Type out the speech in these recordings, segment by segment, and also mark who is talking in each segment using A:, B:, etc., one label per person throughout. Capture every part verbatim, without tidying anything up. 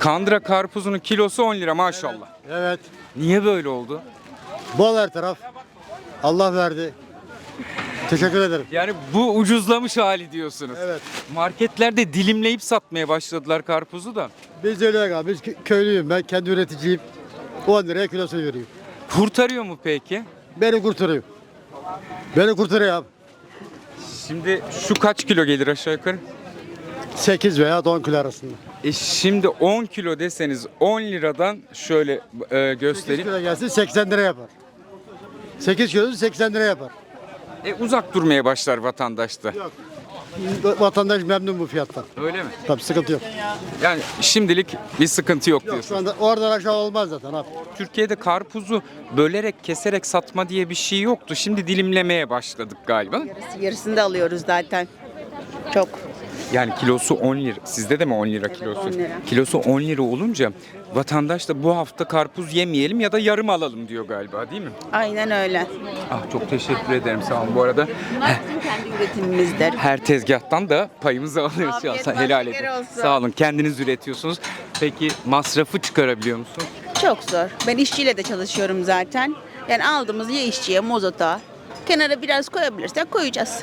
A: Kandıra karpuzunun kilosu on lira maşallah.
B: Evet.
A: Niye böyle oldu?
B: Bol her taraf. Allah verdi. Teşekkür ederim.
A: Yani bu ucuzlamış hali diyorsunuz.
B: Evet.
A: Marketlerde dilimleyip satmaya başladılar karpuzu da.
B: Biz de öyle abi. Biz kö- köylüyüm. Ben kendi üreticiyim. on liraya kilosunu veriyorum.
A: Kurtarıyor mu peki?
B: Beni kurtarıyor. Beni kurtarıyor abi.
A: Şimdi şu kaç kilo gelir aşağı yukarı?
B: sekiz veya on kilo arasında.
A: E şimdi on kilo deseniz on liradan şöyle e,
B: sekiz
A: göstereyim.
B: kilo gelsin seksen lira yapar. sekiz kilo seksen lira yapar.
A: E uzak durmaya başlar vatandaş da.
B: Yok. Vatandaş memnun bu fiyattan.
A: Öyle mi?
B: Tabii sıkıntı yok.
A: Yani şimdilik bir sıkıntı yok
B: Yok
A: diyorsun.
B: şu anda oradan aşağı olmaz zaten abi.
A: Türkiye'de karpuzu bölerek, keserek satma diye bir şey yoktu. Şimdi dilimlemeye başladık galiba.
C: Yarısı, yarısını da alıyoruz zaten. Çok.
A: Yani kilosu on lira. Sizde de mi on lira
C: Evet,
A: kilosu?
C: on lira.
A: Kilosu on lira olunca vatandaş da bu hafta karpuz yemeyelim ya da yarım alalım diyor galiba, değil mi?
C: Aynen öyle.
A: Ah çok teşekkür ederim, sağ olun. Bu arada
C: Bunlar bizim kendi üretimimizdir.
A: her tezgahtan da payımızı alıyoruz.
C: Afiyet
A: Ya,
C: olsun,
A: helal
C: şeker
A: edin.
C: olsun.
A: Sağ olun. Kendiniz üretiyorsunuz. Peki masrafı çıkarabiliyor musun?
C: Çok zor. Ben işçiyle de çalışıyorum zaten. Yani aldığımız ya işçiye, mozota. Kenara biraz koyabilirsek koyacağız.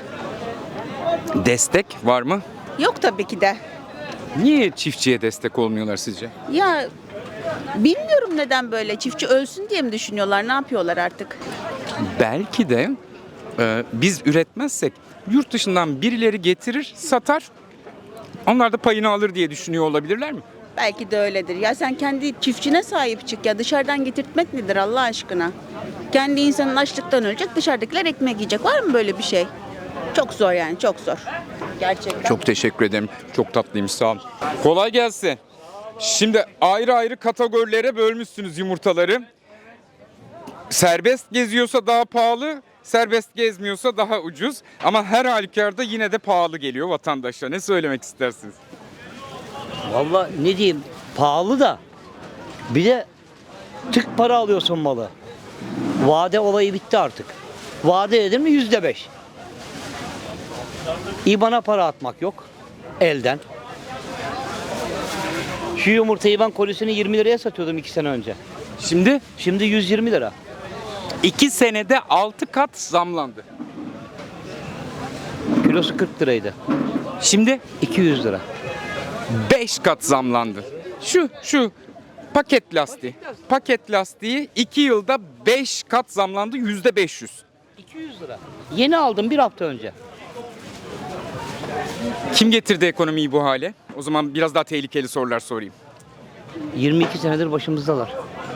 A: Destek var mı?
C: Yok tabii ki de.
A: Niye çiftçiye destek olmuyorlar sizce?
C: Ya bilmiyorum neden böyle. Çiftçi ölsün diye mi düşünüyorlar? Ne yapıyorlar artık?
A: Belki de e, biz üretmezsek yurt dışından birileri getirir, satar. Onlar da payını alır diye düşünüyor olabilirler mi?
C: Belki de öyledir. Ya sen kendi çiftçine sahip çık ya. Dışarıdan getirtmek nedir Allah aşkına? Kendi insanın açlıktan ölecek, dışarıdakiler ekmek yiyecek. Var mı böyle bir şey? Çok zor yani, çok zor. Gerçekten.
A: Çok teşekkür ederim. Çok tatlıymış, sağ olun. Kolay gelsin. Şimdi ayrı ayrı kategorilere bölmüşsünüz yumurtaları. Serbest geziyorsa daha pahalı, serbest gezmiyorsa daha ucuz. Ama her halükarda yine de pahalı geliyor vatandaşa. Ne söylemek istersiniz?
D: Vallahi ne diyeyim, pahalı da bir de tık para alıyorsun malı. Vade olayı bitti artık. Vade edin mi yüzde beş. İBAN'a para atmak yok elden. Şu yumurtayı ben kolisini yirmi liraya satıyordum iki sene önce.
A: Şimdi
D: Şimdi yüz yirmi lira.
A: iki senede altı kat zamlandı.
D: Kilosu kırk liraydı.
A: Şimdi
D: iki yüz lira.
A: beş kat zamlandı. Şu şu paket lastiği. Paket lastiği iki yılda beş kat zamlandı, yüzde beş yüz.
D: iki yüz lira. Yeni aldım bir hafta önce.
A: Kim getirdi ekonomiyi bu hale? O zaman biraz daha tehlikeli sorular sorayım.
D: yirmi iki senedir başımızdalar.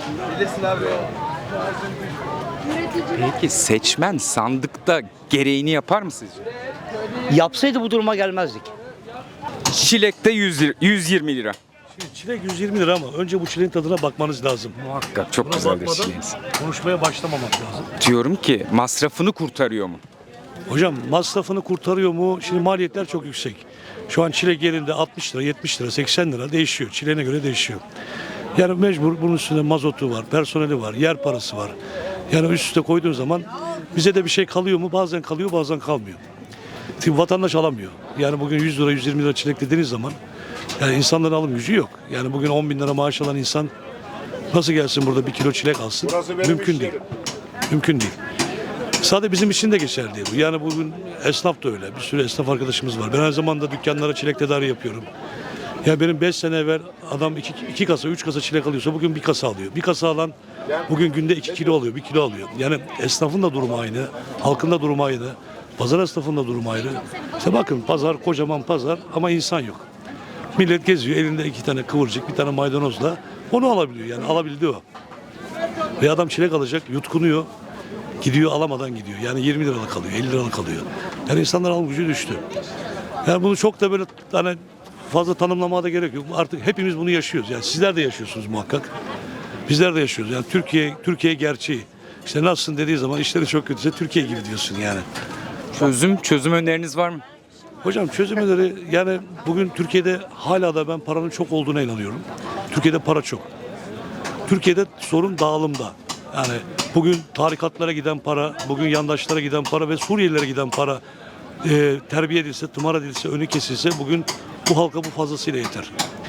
A: Peki seçmen sandıkta gereğini yapar mı sizce?
D: Yapsaydı bu duruma gelmezdik.
A: Çilekte yüz lira, yüz yirmi lira.
E: Şimdi çilek yüz yirmi lira ama önce bu çileğin tadına bakmanız lazım.
A: Muhakkak çok
E: Buna
A: güzeldir
E: bakmadan
A: çileğiniz.
E: konuşmaya başlamamak lazım.
A: Diyorum ki masrafını kurtarıyor mu?
E: Hocam masrafını kurtarıyor mu? Şimdi maliyetler çok yüksek. Şu an çilek yerinde altmış lira, yetmiş lira, seksen lira değişiyor. Çileğine göre değişiyor. Yani mecbur bunun üstünde mazotu var, personeli var, yer parası var. Yani üst üste koyduğun zaman bize de bir şey kalıyor mu? Bazen kalıyor, bazen kalmıyor. Şimdi vatandaş alamıyor. Yani bugün yüz lira, yüz yirmi lira çilek dediğiniz zaman yani insanların alım gücü yok. Yani bugün on bin lira maaş alan insan nasıl gelsin burada bir kilo çilek alsın? Mümkün değil. Mümkün değil. Sadece bizim için de geçerli değil bu. Yani bugün esnaf da öyle. Bir sürü esnaf arkadaşımız var. Ben her zaman da dükkanlara çilek tedariği yapıyorum. Ya benim beş sene evvel adam iki, iki kasa, üç kasa çilek alıyorsa bugün bir kasa alıyor. Bir kasa alan bugün günde iki kilo alıyor, bir kilo alıyor. Yani esnafın da durumu aynı, halkın da durumu aynı, pazar esnafın da durumu ayrı. İşte bakın pazar, kocaman pazar ama insan yok. Millet geziyor, elinde iki tane kıvırcık, bir tane maydanozla onu alabiliyor. Yani alabildi o. Ve adam çilek alacak, yutkunuyor. Gidiyor alamadan gidiyor. Yani yirmi liralık alıyor, elli liralık alıyor. Yani insanların alım gücü düştü. Yani bunu çok da böyle hani fazla tanımlamaya da gerek yok. Artık hepimiz bunu yaşıyoruz. Yani sizler de yaşıyorsunuz muhakkak. Bizler de yaşıyoruz. Yani Türkiye Türkiye gerçeği. İşte nasılsın dediği zaman işleri çok kötüyse Türkiye gibi diyorsun yani.
A: Çözüm, çözüm öneriniz var mı?
E: Hocam çözümleri yani bugün Türkiye'de hala da ben paranın çok olduğuna inanıyorum. Türkiye'de para çok. Türkiye'de sorun dağılımda. Yani bugün tarikatlara giden para, bugün yandaşlara giden para ve Suriyelilere giden para e, terbiye edilse, tımar edilse, önü kesilse bugün bu halka bu fazlasıyla yeter.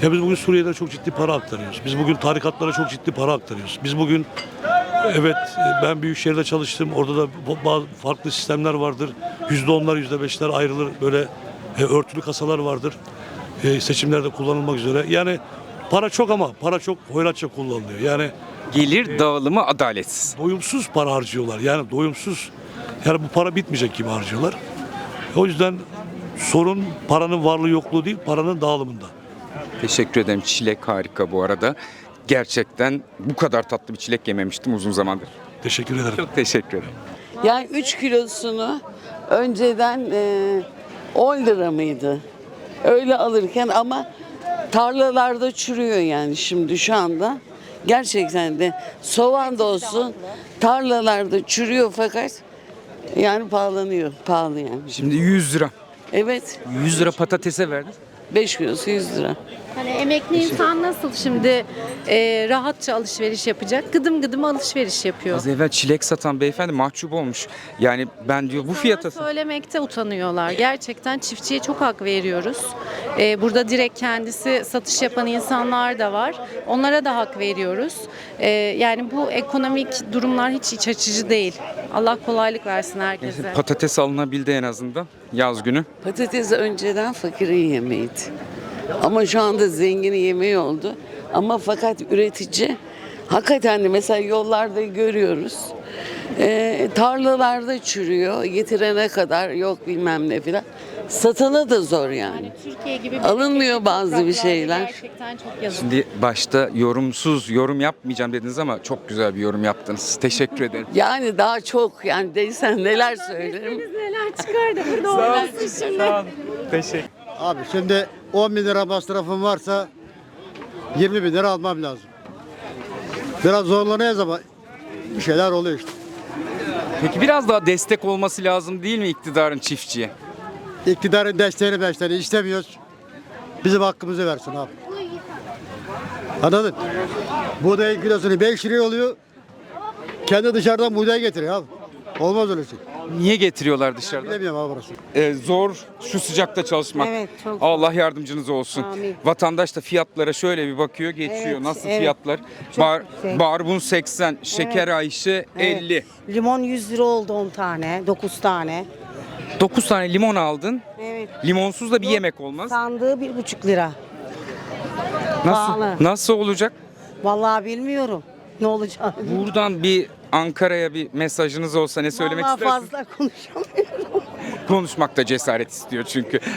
E: Ya biz bugün Suriye'de çok ciddi para aktarıyoruz. Biz bugün tarikatlara çok ciddi para aktarıyoruz. Biz bugün evet ben Büyükşehir'de çalıştım. Orada da bazı farklı sistemler vardır. Yüzde onlar, yüzde beşler ayrılır. Böyle e, örtülü kasalar vardır. E, seçimlerde kullanılmak üzere. Yani para çok ama para çok hoyratça kullanılıyor. Yani
A: Gelir dağılımı adaletsiz.
E: doyumsuz para harcıyorlar. Yani doyumsuz. Yani bu para bitmeyecek gibi harcıyorlar. O yüzden sorun paranın varlığı yokluğu değil, paranın dağılımında.
A: Teşekkür ederim. Çilek harika bu arada. Gerçekten bu kadar tatlı bir çilek yememiştim uzun zamandır.
E: Teşekkür ederim.
A: Çok teşekkür ederim.
F: Yani üç kilosunu önceden e, on lira mıydı? Öyle alırken ama tarlalarda çürüyor yani şimdi şu anda. Gerçekten de soğan da olsun tarlalarda çürüyor fakat yani pahalanıyor. Pahalı yani.
A: Şimdi yüz lira.
F: Evet
A: yüz lira patatese verdin.
F: beş kilosu yüz lira.
G: Hani emekli insan nasıl şimdi e, rahatça alışveriş yapacak? Gıdım gıdım alışveriş yapıyor.
A: Az evvel çilek satan beyefendi mahcup olmuş. Yani ben diyor bu fiyata...
G: İnsanlar söylemekte utanıyorlar. Gerçekten çiftçiye çok hak veriyoruz. E, burada direkt kendisi satış yapan insanlar da var. Onlara da hak veriyoruz. E, yani bu ekonomik durumlar hiç iç açıcı değil. Allah kolaylık versin herkese.
A: Patates alınabildi en azından yaz günü.
F: Patates önceden fakirin yemeğiydi. Ama şu anda zenginin yemeği oldu. Ama fakat üretici hakikaten de mesela yollarda görüyoruz. Ee, tarlalarda çürüyor. Getirene kadar yok bilmem ne filan. Satana da zor yani.
G: Yani Türkiye gibi
F: Alınmıyor
G: bereketli
F: bazı bir
G: topraklarda
F: şeyler.
G: Gerçekten çok yazık.
A: Şimdi başta yorumsuz yorum yapmayacağım dediniz ama çok güzel bir yorum yaptınız. Teşekkür ederim.
F: Yani daha çok yani değilsen neler söylerim.
G: Biz neler çıkar da burada olmasın şimdi.
A: Teşekkür.
B: Abi şimdi on bin lira masrafım varsa yirmi bin lira almam lazım. Biraz zorlanıyoruz ama bir şeyler oluyor işte.
A: Peki biraz daha destek olması lazım değil mi iktidarın çiftçiye?
B: İktidarın desteğini beşlerini istemiyoruz. Bizim hakkımızı versin abi. Anladın? Buğdayın kilosunu beş liraya oluyor. Kendi dışarıdan buğday getiriyor abi. Olmaz öyle şey.
A: Niye getiriyorlar dışarıdan?
B: Bilemiyorum abi burası.
A: Ee, zor şu sıcakta çalışmak.
H: Evet, çok zor.
A: Allah yardımcınız olsun.
H: Amin.
A: Vatandaş da fiyatlara şöyle bir bakıyor, geçiyor.
H: Evet,
A: Nasıl
H: evet.
A: fiyatlar?
H: Çok
A: Bar,
H: yüksek.
A: barbun seksen, şeker ayşe
H: Evet.
A: elli.
H: Limon yüz lira oldu on tane, dokuz tane.
A: dokuz tane limon aldın.
H: Evet.
A: Limonsuz da bir yemek olmaz.
H: Sandığı bir buçuk lira.
A: Nasıl
H: pahalı.
A: nasıl olacak?
H: Vallahi bilmiyorum ne olacak.
A: Buradan bir Ankara'ya bir mesajınız olsa ne söylemek
H: Vallahi
A: istersiniz?
H: fazla konuşamıyorum.
A: Konuşmakta cesaret istiyor çünkü.